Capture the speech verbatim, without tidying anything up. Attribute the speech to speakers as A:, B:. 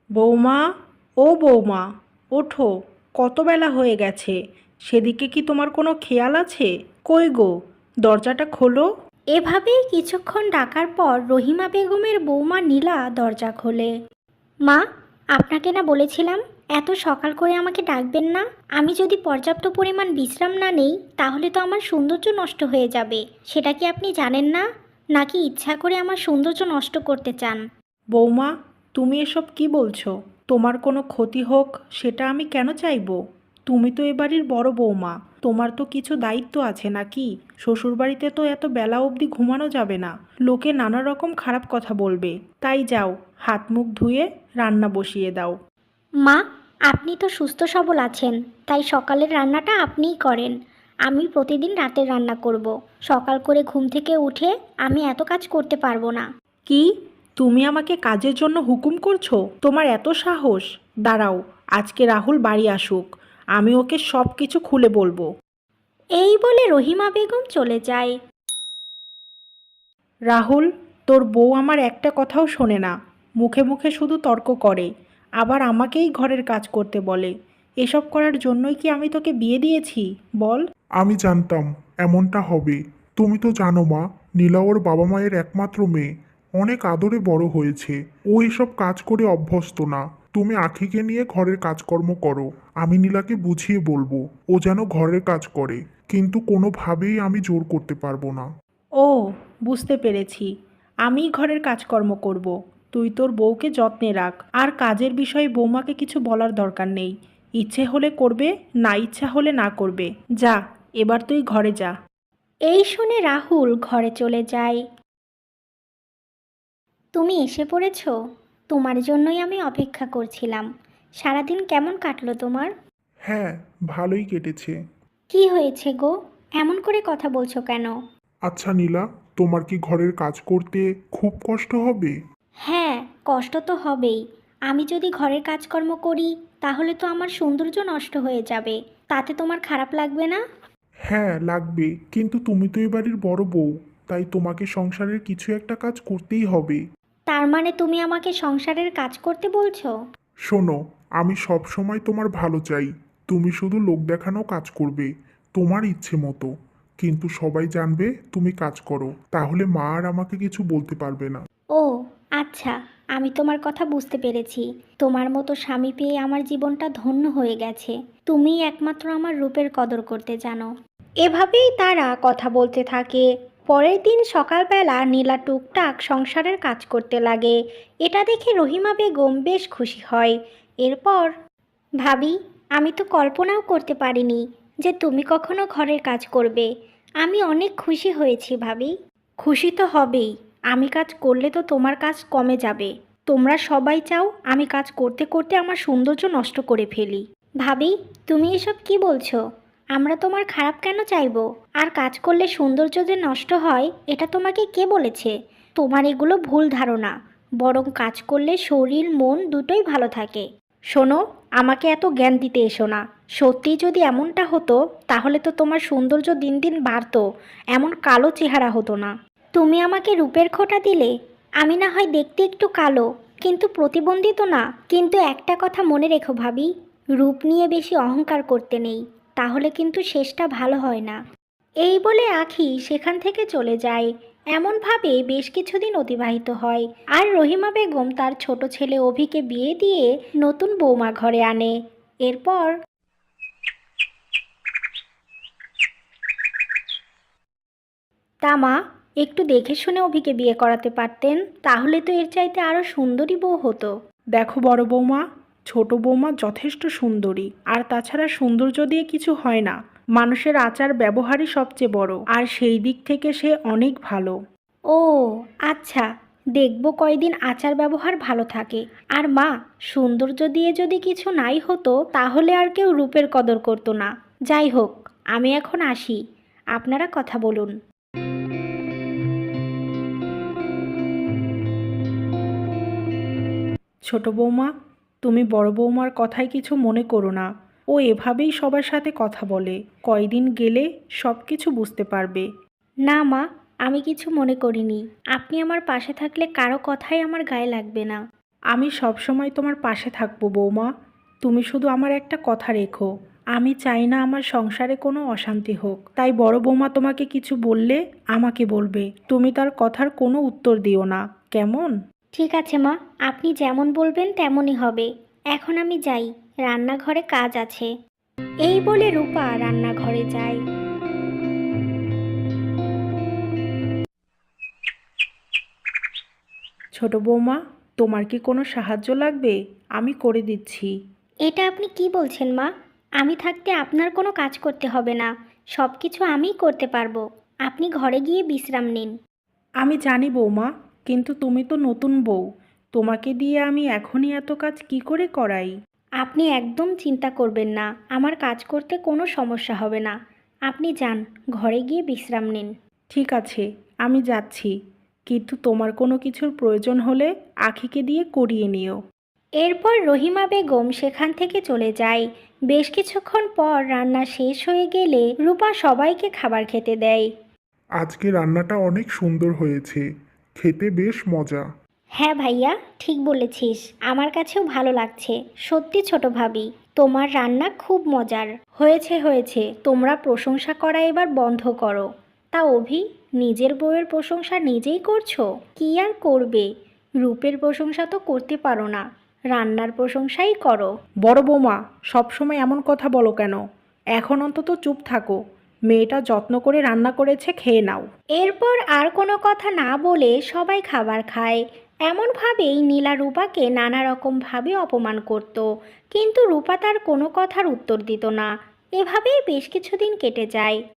A: বৌমা, ও বৌমা, ওঠো। কত বেলা হয়ে গেছে, সেদিকে কি তোমার কোনো খেয়াল আছে? কই গো, দরজাটা খোলো।
B: এভাবেই কিছুক্ষণ ডাকার পর রহিমা বেগমের বৌমা নীলা দরজা খোলে। মা, আপনাকে না বলেছিলাম এত সকাল করে আমাকে ডাকবেন না। আমি যদি পর্যাপ্ত পরিমাণ বিশ্রাম না নেই তাহলে তো আমার সৌন্দর্য নষ্ট হয়ে যাবে। সেটা কি আপনি জানেন না? নাকি ইচ্ছা করে আমার সৌন্দর্য নষ্ট করতে চান?
A: বৌমা, তুমি এসব কি বলছো? তোমার কোনো ক্ষতি হোক সেটা আমি কেন চাইবো? তুমি তো এ বাড়ির বড় বৌমা, তোমার তো কিছু দায়িত্ব আছে নাকি? শ্বশুরবাড়িতে তো এত বেলা অবধি ঘুমানো যাবে না, লোকে নানা রকম খারাপ কথা বলবে। তাই যাও, হাত মুখ ধুয়ে রান্না বসিয়ে দাও।
B: মা, আপনি তো সুস্থ সবল আছেন, তাই সকালের রান্নাটা আপনিই করেন। আমি প্রতিদিন রাতের রান্না করব। সকাল করে ঘুম থেকে উঠে আমি এত কাজ করতে পারবো না।
A: কি? তুমি আমাকে কাজের জন্য হুকুম করছো? তোমার এত সাহস? দাঁড়াও, আজকে রাহুল বাড়ি আসুক, আমি ওকে সব কিছু খুলে বলবো।
B: এই বলে রহিমা বেগম চলে যায়।
A: রাহুল, তোর বউ আমার একটা কথাও শোনে না, মুখে মুখে শুধু তর্ক করে, আবার আমাকেই ঘরের কাজ করতে বলে। এসব করার জন্যই কি আমি তোকে বিয়ে দিয়েছি বল?
C: আমি জানতাম এমনটা হবে। তুমি তো জানো মা, নীলা ওর বাবা মায়ের একমাত্র মেয়ে, অনেক আদরে বড় হয়েছে। ও এসব কাজ করে অভ্যস্ত না। তুমি আখিকে নিয়ে ঘরের কাজকর্ম করো, আমি নীলাকে বুঝিয়ে বলবো ও যেন ঘরের কাজ করে, কিন্তু কোনোভাবেই আমি জোর করতে পারবো না।
A: ও, বুঝতে পেরেছি, আমি ঘরের কাজকর্ম করব। তুই তোর বউকে যত্নে রাখ, আর কাজের বিষয়ে বৌমাকে কিছু বলার দরকার নেই। ইচ্ছে হলে করবে, না ইচ্ছা হলে না করবে। যা, এবার তুই ঘরে যা।
B: এই শুনে রাহুল ঘরে চলে যায়। তুমি এসে পড়েছ? তোমার জন্যই আমি অপেক্ষা করছিলাম। সারাদিন কেমন কাটলো তোমার?
C: হ্যাঁ, ভালোই কেটেছে।
B: কি হয়েছে গো, এমন করে কথা বলছো কেন?
C: আচ্ছা নীলা, তোমার কি ঘরের কাজ করতে খুব কষ্ট হবে?
B: হ্যাঁ, কষ্ট তো হবেই। আমি যদি ঘরের কাজকর্ম করি তাহলে তো আমার সৌন্দর্য নষ্ট হয়ে যাবে। তাতে তোমার খারাপ লাগবে না?
C: হ্যাঁ লাগবে, কিন্তু তুমি তো এ বাড়ির বড় বউ, তাই তোমাকে সংসারের কিছু একটা কাজ করতেই হবে।
B: তার মানে তুমি আমাকে সংসারের কাজ করতে বলছো?
C: শোনো, আমি সব সময় তোমার ভালো চাই। তুমি শুধু লোক দেখানো কাজ করবে, তোমার ইচ্ছে মতো। কিন্তু সবাই জানবে তুমি কাজ করো, তাহলে মা আর আমাকে কিছু বলতে পারবে না।
B: ও আচ্ছা, আমি তোমার কথা বুঝতে পেরেছি। তোমার মতো স্বামী পেয়ে আমার জীবনটা ধন্য হয়ে গেছে। তুমিই একমাত্র আমার রূপের কদর করতে জানো। এভাবেই তারা কথা বলতে থাকে। পরের দিন সকালবেলা নীলা টুকটাক সংসারের কাজ করতে লাগে। এটা দেখে রহিমা বেগম বেশ খুশি হয়। এরপর, ভাবি, আমি তো কল্পনাও করতে পারিনি যে তুমি কখনো ঘরের কাজ করবে। আমি অনেক খুশি হয়েছি ভাবি। খুশি তো হবেই, আমি কাজ করলে তো তোমার কাজ কমে যাবে। তোমরা সবাই চাও আমি কাজ করতে করতে আমার সৌন্দর্য নষ্ট করে ফেলি। ভাবি, তুমি এসব কি বলছো? আমরা তোমার খারাপ কেন চাইবো? আর কাজ করলে সৌন্দর্য যে নষ্ট হয় এটা তোমাকে কে বলেছে? তোমার এগুলো ভুল ধারণা। বরং কাজ করলে শরীর মন দুটোই ভালো থাকে। শোনো, আমাকে এত জ্ঞান দিতে এসো না। সত্যি যদি এমনটা হতো তাহলে তো তোমার সৌন্দর্য দিন দিন বাড়তো, এমন কালো চেহারা হতো না। তুমি আমাকে রূপের খোঁটা দিলে। আমি না হয় দেখতে একটু কালো, কিন্তু প্রতিবন্ধী তো না। কিন্তু একটা কথা মনে রেখো ভাবি, রূপ নিয়ে বেশি অহংকার করতে নেই, তাহলে কিন্তু শেষটা ভালো হয় না। এই বলে আখি সেখান থেকে চলে যায়। এমনভাবে বেশ কিছুদিন অতিবাহিত হয়, আর রহিমা বেগম তার ছোট ছেলে অভিকে বিয়ে দিয়ে নতুন বৌমা ঘরে আনে। এরপর, তা মা, একটু দেখে শুনে অভিকে বিয়ে করাতে পারতেন, তাহলে তো এর চাইতে আরও সুন্দরী বউ হতো।
A: দেখো বড় বৌমা, ছোট বৌমা যথেষ্ট সুন্দরী, আর তাছাড়া সৌন্দর্য দিয়ে কিছু হয় না। মানুষের আচার ব্যবহারই সবচেয়ে বড়, আর সেই দিক থেকে সে অনেক ভালো।
B: ও আচ্ছা, দেখব কয়দিন আচার ব্যবহার ভালো থাকে। আর মা, সৌন্দর্য দিয়ে যদি কিছু নাই হতো তাহলে আর কেউ রূপের কদর করতো না। যাই হোক, আমি এখন আসি, আপনারা কথা বলুন।
A: ছোট বৌমা, তুমি বড় বৌমার কথায় কিছু মনে করো না। ও এভাবেই সবার সাথে কথা বলে, কয়দিন গেলে সব কিছু বুঝতে পারবে।
B: না মা, আমি কিছু মনে করিনি। আপনি আমার পাশে থাকলে কারো কথাই আমার গায়ে লাগবে না।
A: আমি সবসময় তোমার পাশে থাকবো বৌমা। তুমি শুধু আমার একটা কথা রেখো, আমি চাই না আমার সংসারে কোনো অশান্তি হোক। তাই বড় বৌমা তোমাকে কিছু বললে আমাকে বলবে, তুমি তার কথার কোনো উত্তর দিও না, কেমন?
B: ঠিক আছে মা, আপনি যেমন বলবেন তেমনই হবে। এখন আমি যাই, রান্নাঘরে কাজ আছে। এই বলে রূপা রান্নাঘরে যায়।
A: ছোট বৌমা, তোমার কি কোনো সাহায্য লাগবে? আমি করে দিচ্ছি।
B: এটা আপনি কি বলছেন মা? আমি থাকতে আপনার কোনো কাজ করতে হবে না, সব কিছু আমিই করতে পারবো। আপনি ঘরে গিয়ে বিশ্রাম নিন।
A: আমি জানি বৌমা, কিন্তু তুমি তো নতুন বউ, তোমাকে দিয়ে আমি এখনই এত কাজ কি করে করাই?
B: আপনি একদম চিন্তা করবেন না, আমার কাজ করতে কোনো সমস্যা হবে না। আপনি যান, ঘরে গিয়ে বিশ্রাম নিন।
A: ঠিক আছে, আমি যাচ্ছি, কিন্তু তোমার কোনো কিছুর প্রয়োজন হলে আখিকে দিয়ে করিয়ে নিও।
B: এরপর রহিমা বেগম সেখান থেকে চলে যায়। বেশ কিছুক্ষণ পর রান্না শেষ হয়ে গেলে রূপা সবাইকে খাবার খেতে দেয়।
C: আজকে রান্নাটা অনেক সুন্দর হয়েছে, খেতে বেশ মজা।
B: হ্যাঁ ভাইয়া, ঠিক বলেছিস, আমার কাছেও ভালো লাগছে। সত্যি ছোট ভাবি, তোমার রান্না খুব মজার হয়েছে। হয়েছে তোমরা প্রশংসা করা এবার বন্ধ করো। তা অভি, নিজের বউয়ের প্রশংসা নিজেই করছো? কি আর করবে, রূপের প্রশংসা তো করতে পারো না, রান্নার প্রশংসাই করো।
A: বড় বৌমা, সবসময় এমন কথা বলো কেন? এখন অন্তত চুপ থাকো, মেয়েটা যত্ন করে রান্না করেছে, খেয়ে নাও।
B: এরপর আর কোনো কথা না বলে সবাই খাবার খায়। এমনভাবেই নীলা রূপাকে নানা রকমভাবে অপমান করত, কিন্তু রূপা তার কোনো কথার উত্তর দিত না। এভাবেই বেশ কিছুদিন কেটে যায়।